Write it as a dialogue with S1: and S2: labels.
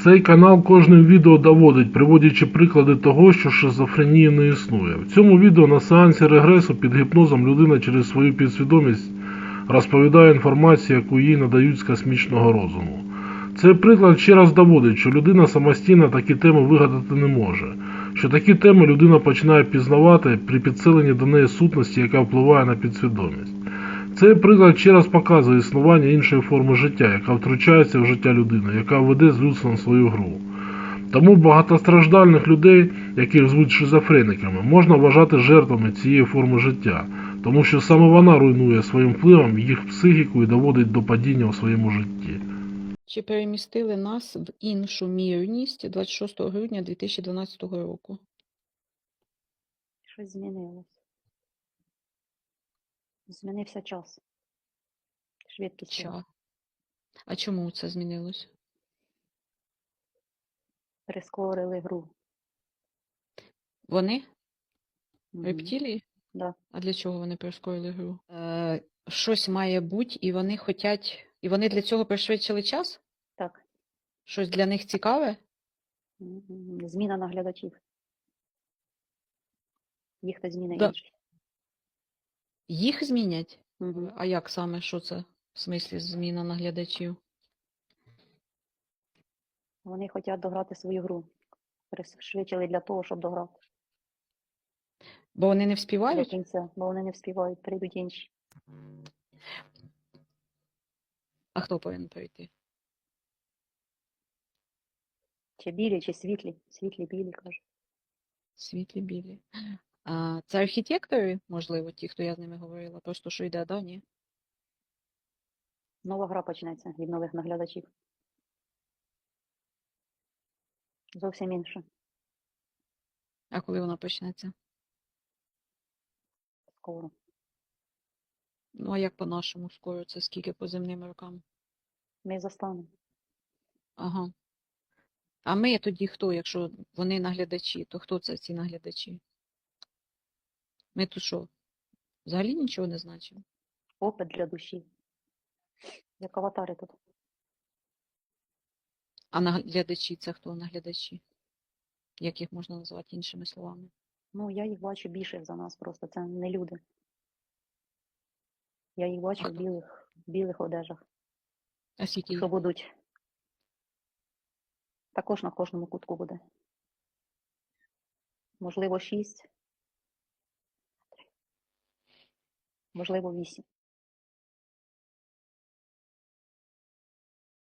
S1: Цей канал кожним відео доводить, приводячи приклади того, що шизофренії не існує. В цьому відео на сеансі регресу під гіпнозом людина через свою підсвідомість розповідає інформацію, яку їй надають з космічного розуму. Цей приклад ще раз доводить, що людина самостійно такі теми вигадати не може, що такі теми людина починає пізнавати при підсиленні до неї сутності, яка впливає на підсвідомість. Цей приклад ще раз показує існування іншої форми життя, яка втручається в життя людини, яка веде з людством свою гру. Тому багатостраждальних людей, яких звуть шизофрениками, можна вважати жертвами цієї форми життя, тому що саме вона руйнує своїм впливом їх психіку і доводить до падіння у своєму житті.
S2: Чи перемістили нас в іншу мірність 26 грудня 2012 року?
S3: Щось змінилось. Змінився час. Швидкість.
S2: Ча. А чому це змінилось?
S3: Прискорили гру.
S2: Вони?
S3: Мгм.
S2: Рептилії?
S3: Да.
S2: А для чого вони прискорили гру? Щось має бути, і вони хотять. І вони для цього пришвидшили час?
S3: Так.
S2: Щось для них цікаве?
S3: Зміна наглядачів. Їх то зміни
S2: Да.
S3: інші.
S2: Їх змінять?
S3: Мгм.
S2: А як саме? Що це? В смислі зміна наглядачів?
S3: Вони хочуть дограти свою гру. Пришвидшили для того, щоб дограти
S2: Бо вони не
S3: до
S2: вспівають?
S3: кінця, бо вони не вспівають, прийдуть інші.
S2: А хто повинен прийти?
S3: Чи білі, чи світлі. Світлі, білі, кажуть.
S2: Світлі білі. А, це архітектори, можливо, ті, хто я з ними говорила, просто що йде, да, ні?
S3: Нова гра почнеться від нових наглядачів. Зовсім інше.
S2: А коли вона почнеться?
S3: Скоро.
S2: Ну, а як по-нашому скоро? Це скільки по земним рокам?
S3: Ми застанемо.
S2: Ага. А ми тоді хто, якщо вони наглядачі, то хто це ці наглядачі? Ми тут що, взагалі нічого не значимо?
S3: Опит для душі. Як аватари тут.
S2: А наглядачі це хто наглядачі? Як їх можна назвати іншими словами?
S3: Ну, я їх бачу більше за нас просто. Це не люди. Я їх бачу
S2: А
S3: в
S2: хто?
S3: білих одежах,
S2: А скільки їх?
S3: що будуть. Також на кожному кутку буде. Можливо, 6. Можливо, 8.